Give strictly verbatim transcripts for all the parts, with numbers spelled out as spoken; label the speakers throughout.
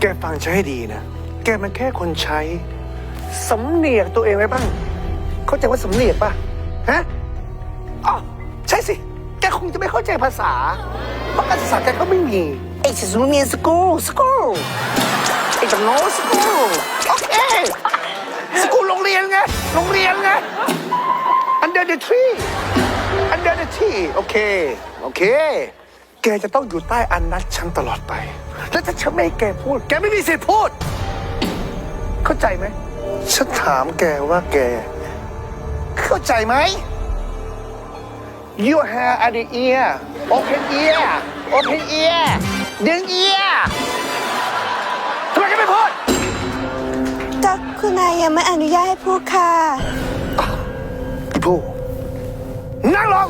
Speaker 1: แกฟังฉันให้ดีนะ แกมันแค่คนใช้สำเนียกตัวเองไว้บ้าง เข้าใจว่าสำเนียกป่ะ ฮะ อ๋อ ใช่สิ แกคงจะไม่เข้าใจภาษา เพราะการศึกษาแกก็ไม่มีไอ้สำเนียงสกูสกูไอ้ตโนสกูโอเค สกูโรงเรียนไง โรงเรียนไง under the tree under the tree โอเค โอเค แกจะต้องอยู่ใต้อันนัดฉันตลอดไป แล้วถ้าฉันไม่ให้แกพูด แกไม่มีสิทธิ์พูด เข้าใจไหม ฉันถามแกว่าแก เข้าใจไหม Your hair at the ear open ear open ear ดึง ear ทำไมแกไม่พูด
Speaker 2: ก็คุณนายยังไม่อนุญาตให้พูดค่ะ
Speaker 1: พี่ผู้นั่งลง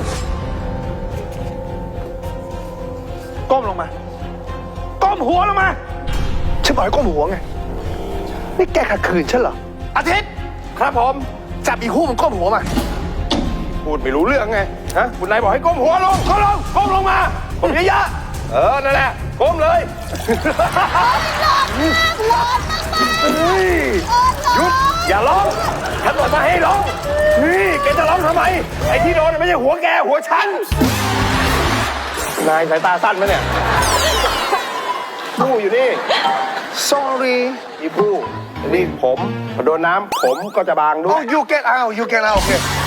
Speaker 1: ก้มลงมา ก้มหัวลงมา ฉันบอกให้ก้มหัวไง นี่แกขัดขืนฉันเหรอ อาทิตย์ ครับผม จับอีกคู่มันก้มหัวมา
Speaker 3: พูดไม่รู้เรื่องไง ฮะ คุณนายบอกให้ก้มหัวลงก้มลงก้มลงมาก้มเยอะๆเออ นั่นแหละ ก้มเลยเฮ้ยหยุด อย่าร้องฉันบอกมาให้ร้อง นี่แกจะร้องทำไม ไอ้ที่โดนไม่ใช่หัวแก หัวฉัน นายสายตาสั้นไหมเนี่ยผู้อยู่นี่
Speaker 1: sorry
Speaker 3: อีผู้นี่ผมพอโดนน้ำผมก็จะบางด้ว
Speaker 1: oh
Speaker 3: ย
Speaker 1: you get out you get out โอเค